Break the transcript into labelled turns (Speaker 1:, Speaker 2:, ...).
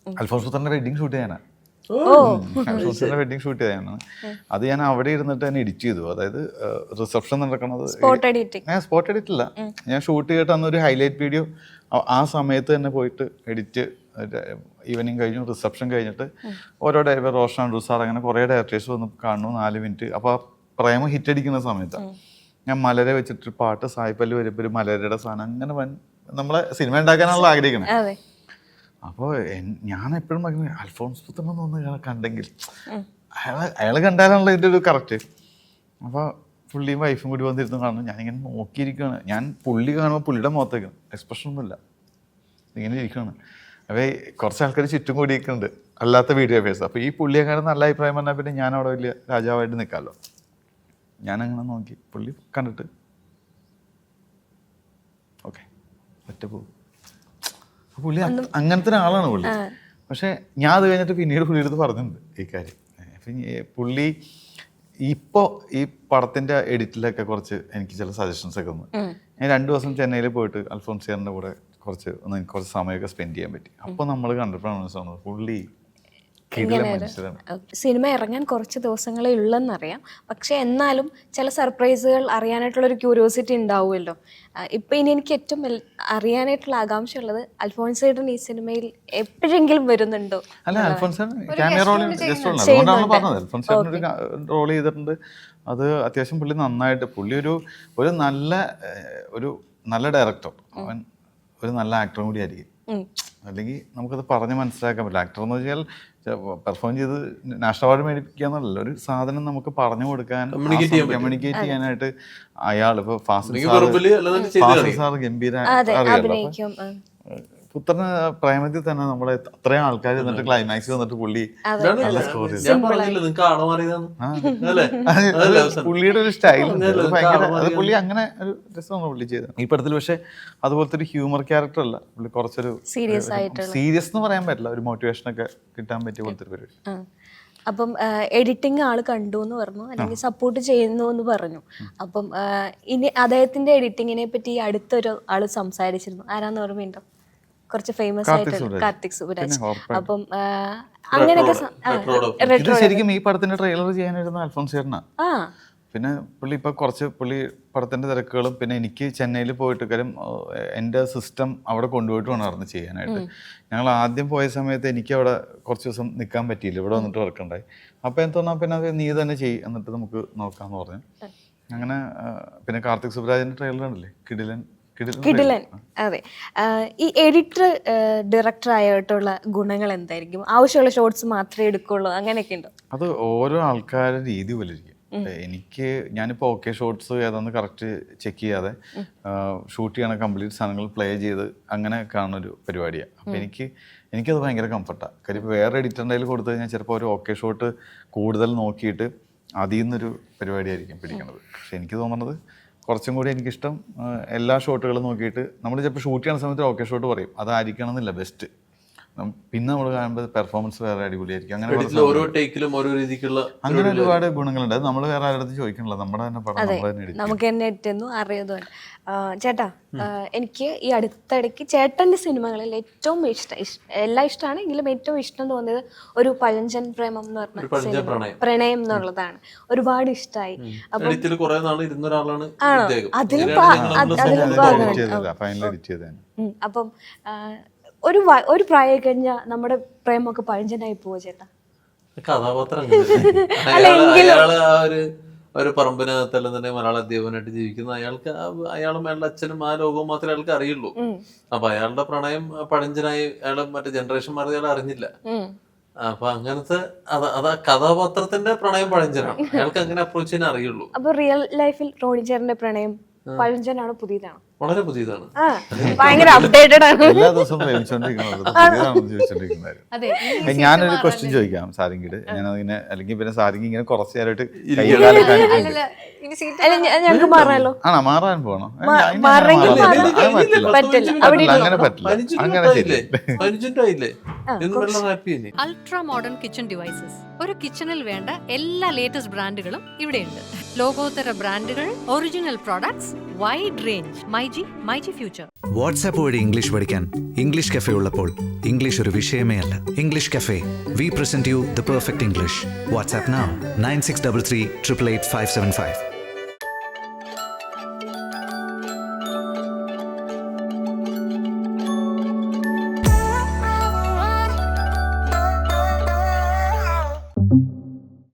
Speaker 1: അൽഫോൺസ് പുത്രന്റെ wedding shoot ചെയ്യാനാണ്. അൽഫോൺസിന്റെ wedding shoot ചെയ്യാനാണ്. അത് ഞാൻ അവിടെ ഇരുന്നിട്ട് തന്നെ എഡിറ്റ് ചെയ്തു. അതായത് റിസപ്ഷൻ നടക്കുന്നത്
Speaker 2: സ്പോട്ട്
Speaker 1: എഡിറ്റ് അല്ല, ഞാൻ ഷൂട്ട് ചെയ്തിട്ട് അന്നൊരു ഹൈലൈറ്റ് വീഡിയോ ആ സമയത്ത് തന്നെ പോയിട്ട് എഡിറ്റ്, ഈവനിങ് കഴിഞ്ഞു, റിസപ്ഷൻ കഴിഞ്ഞിട്ട് ഓരോ ഡയറക്ടർ റോഷൻ സാർ അങ്ങനെ കുറേ ഡയറക്ടേഴ്സ് വന്ന് കാണുന്നു 4 മിനിറ്റ്. അപ്പോൾ ആ പ്രേമം ഹിറ്റ് അടിക്കുന്ന സമയത്താണ് ഞാൻ മലരെ വെച്ചിട്ട് പാട്ട് സായിപ്പല്ല് വരുമ്പോൾ ഒരു മലരയുടെ സാധനം അങ്ങനെ നമ്മളെ സിനിമ ഉണ്ടാക്കാനാണല്ലോ ആഗ്രഹിക്കണേ. അപ്പോൾ ഞാൻ എപ്പോഴും പറയുന്നത് അൽഫോൺസ് പുത്രൻ തോന്നുന്നു ഇയാളെ കണ്ടെങ്കിൽ അയാൾ കണ്ടാലാണല്ലോ ഇതിൻ്റെ ഒരു കറക്റ്റ്. അപ്പോൾ പുള്ളിയും വൈഫും കൂടി വന്നിരുന്നു കാണുന്നു. ഞാനിങ്ങനെ നോക്കിയിരിക്കുകയാണ്. ഞാൻ പുള്ളി കാണുമ്പോൾ പുള്ളിയുടെ മുഖത്തേക്കാണ്, എക്സ്പ്രഷൻ ഒന്നുമില്ല, ഇങ്ങനെ ഇരിക്കുകയാണ്. അപ്പോൾ കുറച്ച് ആൾക്കാർ ചുറ്റും കൂടിയിരിക്കുന്നുണ്ട്, അല്ലാത്ത വീഡിയോഗ്രാഫേഴ്സ്. അപ്പോൾ ഈ പുള്ളിയെക്കാളും നല്ല അഭിപ്രായം പറഞ്ഞാൽ പിന്നെ ഞാൻ അവിടെ വലിയ രാജാവായിട്ട് നിൽക്കാമല്ലോ. ഞാനങ്ങനെ നോക്കി, പുള്ളി കണ്ടിട്ട് ഓക്കെ ഒറ്റ പോകും. പുള്ളി അങ്ങനത്തെ ഒരാളാണ് പുള്ളി. പക്ഷെ ഞാൻ അത് കഴിഞ്ഞിട്ട് പിന്നീട് പുള്ളിയുടെ അടുത്ത് പറഞ്ഞിട്ടുണ്ട് ഈ കാര്യം. പുള്ളി ഇപ്പോൾ ഈ പടത്തിൻ്റെ എഡിറ്റിലൊക്കെ കുറച്ച് എനിക്ക് ചില സജഷൻസ് ഒക്കെ തന്നു. ഞാൻ 2 ദിവസം ചെന്നൈയിൽ പോയിട്ട് അൽഫോൺസിയറിൻ്റെ കൂടെ കുറച്ച് സമയമൊക്കെ സ്പെൻഡ് ചെയ്യാൻ പറ്റി. അപ്പോൾ നമ്മൾ കണ്ടപ്പോഴാണ് മനസ്സിലാവുന്നത് പുള്ളി
Speaker 2: സിനിമ ഇറങ്ങാൻ കുറച്ച് ദിവസങ്ങളേ ഉള്ളെന്നറിയാം. പക്ഷെ എന്നാലും ചില സർപ്രൈസുകൾ അറിയാനായിട്ടുള്ളൊരു ക്യൂരിയോസിറ്റി ഉണ്ടാവുമല്ലോ. ഇപ്പം ഇനി എനിക്ക് ഏറ്റവും അറിയാനായിട്ടുള്ള ആകാംക്ഷ ഉള്ളത് അൽഫോൺസേട്ടൻ ഈ സിനിമയിൽ എപ്പോഴെങ്കിലും വരുന്നുണ്ടോ?
Speaker 1: അല്ല, റോൾ ചെയ്തിട്ടുണ്ട്. അത് അത്യാവശ്യം പുള്ളി നന്നായിട്ട്, പുള്ളി ഒരു നല്ല ഡയറക്ടർ, അവൻ ഒരു നല്ല ആക്ടറും കൂടി ആയിരിക്കും. അല്ലെങ്കിൽ നമുക്കത് പറഞ്ഞ് മനസ്സിലാക്കാൻ പറ്റില്ല. ആക്ടർ എന്ന് വെച്ചാൽ പെർഫോം ചെയ്ത് നാഷണൽ അവാർഡ് മേടിപ്പിക്കുക എന്നല്ല, ഒരു സാധനം നമുക്ക് പറഞ്ഞു കൊടുക്കാൻ, കമ്മ്യൂണിക്കേറ്റ് ചെയ്യാനായിട്ട് അയാൾ ഇപ്പോൾ ഫാസിൽ സാർ ഗംഭീര അറിയാലോ. പുത്രന് പ്രേമത്തിൽ തന്നെ നമ്മളെ അത്രയും ആൾക്കാർ എന്നിട്ട് ക്ലൈമാക്സ് വന്നിട്ട് പുള്ളി പുള്ളിയുടെ ഒരു സ്റ്റൈൽ അത് പുള്ളി അങ്ങനെ ഒരു രസമാണ് പുള്ളി ചെയ്തത് ഈ പടത്തിൽ. പക്ഷെ അതുപോലത്തെ ഒരു ഹ്യൂമർ ക്യാരക്ടർ അല്ല പുള്ളി, കുറച്ചൊരു സീരിയസ് എന്ന് പറയാൻ പറ്റില്ല, ഒരു മോട്ടിവേഷൻ ഒക്കെ കിട്ടാൻ പറ്റിയ പോലത്തെ ഒരു പരിപാടി.
Speaker 2: അപ്പം എഡിറ്റിംഗ് ആള് കണ്ടു എന്ന് പറഞ്ഞു, അല്ലെങ്കിൽ സപ്പോർട്ട് ചെയ്യുന്നു എന്ന് പറഞ്ഞു. അപ്പം ഇനി അദ്ദേഹത്തിന്റെ എഡിറ്റിങ്ങിനെ പറ്റി അടുത്തൊരു ആള് സംസാരിച്ചിരുന്നു. ആരാന്ന് ഓർമ്മയുണ്ടോ? കുറച്ച് ഫേമസ് ആയിട്ടുള്ള കാർത്തിക് സുബരാജ്. അപ്പം അങ്ങനെയൊക്കെ
Speaker 1: ശരിക്കും ഈ പടത്തിന്റെ ട്രെയിലർ ചെയ്യാനായിരുന്നു അൽഫോൺസിയറിനാ. പിന്നെ പുള്ളി ഇപ്പൊ പുള്ളി പടത്തിന്റെ തിരക്കുകളും, പിന്നെ എനിക്ക് ചെന്നൈയിൽ പോയിട്ട് കാര്യം എൻ്റെ സിസ്റ്റം അവിടെ കൊണ്ടുപോയിട്ട് വേണമായിരുന്നു ചെയ്യാനായിട്ട്. ഞങ്ങൾ ആദ്യം പോയ സമയത്ത് എനിക്ക് അവിടെ കുറച്ച് ദിവസം നിൽക്കാൻ പറ്റിയില്ല, ഇവിടെ വന്നിട്ട് വർക്കുണ്ടായി. അപ്പോൾ എന്ത് പിന്നെ അത് നീ തന്നെ ചെയ്യും, എന്നിട്ട് നമുക്ക് നോക്കാമെന്ന് പറഞ്ഞു. അങ്ങനെ പിന്നെ കാർത്തിക് സുബരാജിന്റെ ട്രെയിലർ ഉണ്ടല്ലേ, കിടിലൻ.
Speaker 2: അതെ, ഈ എഡിറ്റർ ഡയറക്ടർ ആയിട്ടുള്ള ഗുണങ്ങൾ എന്തായിരിക്കും? ആവശ്യമുള്ള ഷോട്ട്സ് മാത്രമേ എടുക്കുള്ളൂ, അങ്ങനെയൊക്കെ ഉണ്ടോ?
Speaker 1: അത് ഓരോ ആൾക്കാരുടെ രീതി പോലെ ഇരിക്കും. ഞാനിപ്പോൾ ഓക്കെ ഷോട്ട്സ് ഏതാന്ന് കറക്റ്റ് ചെക്ക് ചെയ്യാതെ ഷൂട്ട് ചെയ്യണ കംപ്ലീറ്റ് സാധനങ്ങൾ പ്ലേ ചെയ്ത് അങ്ങനെ കാണുന്നൊരു പരിപാടിയാണ്. അപ്പോൾ എനിക്കത് ഭയങ്കര കംഫർട്ടാണ്. കാര്യം ഇപ്പോൾ വേറെ എഡിറ്ററിൻ്റെ കയ്യിൽ കൊടുത്തു കഴിഞ്ഞാൽ ചിലപ്പോൾ ഒരു ഓക്കെ ഷോട്ട് കൂടുതൽ നോക്കിയിട്ട് അതിൽ നിന്നൊരു പരിപാടിയായിരിക്കും പിടിക്കുന്നത്. പക്ഷെ എനിക്ക് തോന്നുന്നത് കുറച്ചും കൂടി എനിക്കിഷ്ടം എല്ലാ ഷോട്ടുകളും നോക്കിയിട്ട് നമ്മൾ ചിലപ്പോൾ ഷൂട്ട് ചെയ്യുന്ന സമയത്ത് ഓക്കെ ഷോട്ട് പറയും, അതായിരിക്കണം എന്നില്ല ബെസ്റ്റ്. പിന്നെ നമ്മൾ കാണുമ്പോൾ പെർഫോമൻസ് വേറെ അടിപൊളിയായിരിക്കും. അങ്ങനെ ഒരുപാട് ഗുണങ്ങളുണ്ട്. അത് നമ്മൾ വേറെ ആരുടെ ചോദിക്കണല്ലോ, നമ്മുടെ തന്നെ പടം
Speaker 2: നമുക്ക് തന്നെ എത്തുന്നു അറിയാതുകൊണ്ട്. ചേട്ടാ, എനിക്ക് ഈ അടുത്തിടയ്ക്ക് ചേട്ടൻ്റെ സിനിമകളിൽ ഏറ്റവും എല്ലാം ഇഷ്ടമാണ്, എങ്കിലും ഏറ്റവും ഇഷ്ടം തോന്നിയത് ഒരു പഴഞ്ചൻ പ്രേമം എന്ന് പറഞ്ഞ പ്രണയം എന്നുള്ളതാണ്. ഒരുപാട് ഇഷ്ടമായി. അപ്പം ഒരു പ്രായം കഴിഞ്ഞാൽ നമ്മുടെ പ്രേമൊക്കെ പഴഞ്ചനായി പോവോ ചേട്ടാ?
Speaker 3: കഥാപാത്രം ഒരു പറമ്പിനകത്തല്ല തന്നെ മലയാള അധ്യാപകനായിട്ട് ജീവിക്കുന്ന അയാളും അയാളുടെ അച്ഛനും ആ ലോകവും മാത്രമേ അയാൾക്ക് അറിയുള്ളൂ. അപ്പൊ അയാളുടെ പ്രണയം പഴഞ്ചനായി അയാളെ മറ്റേ ജനറേഷൻ മാറി അയാൾ അറിഞ്ഞില്ല. അപ്പൊ അങ്ങനത്തെ അതാ കഥാപാത്രത്തിന്റെ പ്രണയം പഴഞ്ചനാണ്, അയാൾക്ക് അങ്ങനെ അപ്രോച്ച് ചെയ്യാൻ അറിയുള്ളൂ.
Speaker 2: അപ്പൊ റിയൽ ലൈഫിൽ റോണി ചേട്ടന്റെ പ്രണയം പഴഞ്ചനാണോ പുതിയതാണോ?
Speaker 3: വളരെ പുതിയതാണ്,
Speaker 2: ഭയങ്കര അപ്ഡേറ്റഡ് ആണ്.
Speaker 1: എല്ലാ ദിവസവും ഞാനൊരു ക്വസ്റ്റ്യൻ ചോദിക്കാം സാരിങ്കിട്. ഞാനതിങ്ങനെ അല്ലെങ്കിൽ പിന്നെ സാരിങ് ഇങ്ങനെ കുറച്ച് നേരമായിട്ട്
Speaker 2: ഞങ്ങൾക്ക് മാറാലോ?
Speaker 1: ആണോ, മാറാൻ പോകണം? അങ്ങനെ പറ്റില്ല.
Speaker 4: Ultra modern kitchen devices. ഒരു കിച്ചണിൽ വേണ്ട എല്ലാ ലേറ്റസ്റ്റ് ബ്രാൻഡുകളും ഇവിടെയുണ്ട്. ലോകോത്തര ബ്രാൻഡുകൾ, original products, wide range. MyG Future.
Speaker 5: WhatsApp വഴി ഇംഗ്ലീഷ് പഠിക്കാൻ ഇംഗ്ലീഷ് കഫേ ഉള്ളപ്പോൾ ഇംഗ്ലീഷ് ഒരു വിഷയമേ അല്ല. English cafe, we present you the perfect English. WhatsApp now 9633 888 575.